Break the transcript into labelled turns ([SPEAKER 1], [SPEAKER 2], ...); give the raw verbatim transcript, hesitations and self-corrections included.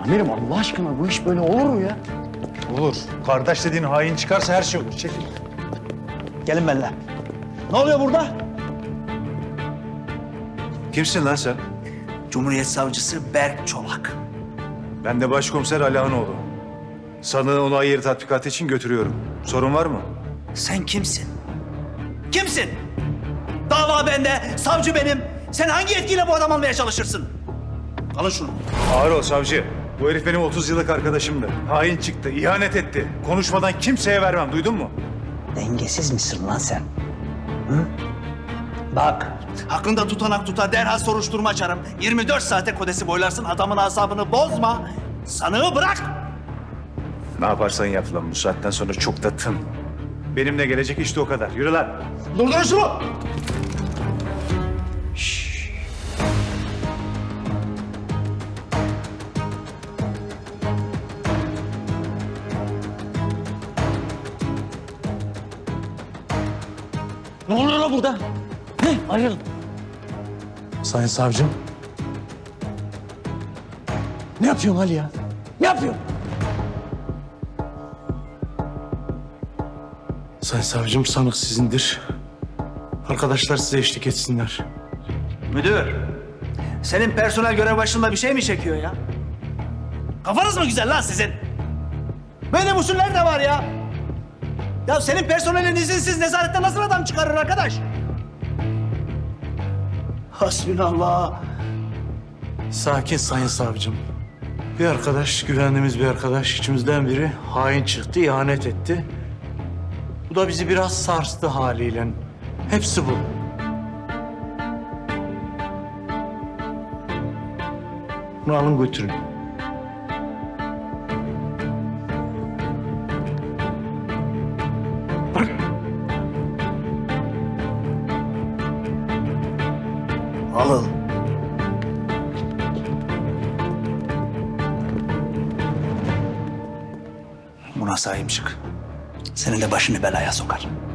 [SPEAKER 1] Amirim Allah aşkına bu iş böyle olur mu ya?
[SPEAKER 2] Olur. Kardeş dediğin hain çıkarsa her şey olur. Çekil.
[SPEAKER 1] Gelin benimle. Ne oluyor burada?
[SPEAKER 2] Kimsin lan sen?
[SPEAKER 1] Cumhuriyet Savcısı Berk Çolak.
[SPEAKER 2] Ben de Başkomiser Alihanoğlu. Sanığı olay yeri tatbikatı için götürüyorum. Sorun var mı?
[SPEAKER 1] Sen kimsin? Kimsin? Dava bende, savcı benim. Sen hangi yetkiyle bu adam almaya çalışırsın? Alın şunu.
[SPEAKER 2] Ağır ol savcı. Bu herif benim otuz yıllık arkadaşımdı. Hain çıktı, ihanet etti. Konuşmadan kimseye vermem, duydun mu?
[SPEAKER 1] Dengesiz misin lan sen? Hı? Bak. Hakkında tutanak tutar, derhal soruşturma açarım. yirmi dört saate kodesi boylarsın, adamın asabını bozma. Sanığı bırak.
[SPEAKER 2] Ne yaparsan yap lan, bu saatten sonra çok da tın. Benimle gelecek işte o kadar. Yürü lan.
[SPEAKER 1] Durdurun şunu. Ne oluyor lan burada? Ne? Ayrılın.
[SPEAKER 3] Sayın savcım. Ne yapıyorsun Ali ya? Ne yapıyorsun? Sayın savcım, sanık sizindir. Arkadaşlar size eşlik etsinler.
[SPEAKER 1] Müdür, senin personel görev başında bir şey mi çekiyor ya? Kafanız mı güzel lan sizin? Böyle usuller de var ya. Ya senin personelin izinsiz nezarette nasıl adam çıkarır arkadaş? Hasbinallah.
[SPEAKER 3] Sakin sayın savcım. Bir arkadaş, güvendiğimiz bir arkadaş, içimizden biri hain çıktı, ihanet etti. Bu da bizi biraz sarstı haliyle. Hepsi bu. Bunu alın götürün.
[SPEAKER 1] Alın. Buna sahip çık. Senin de başını belaya sokar.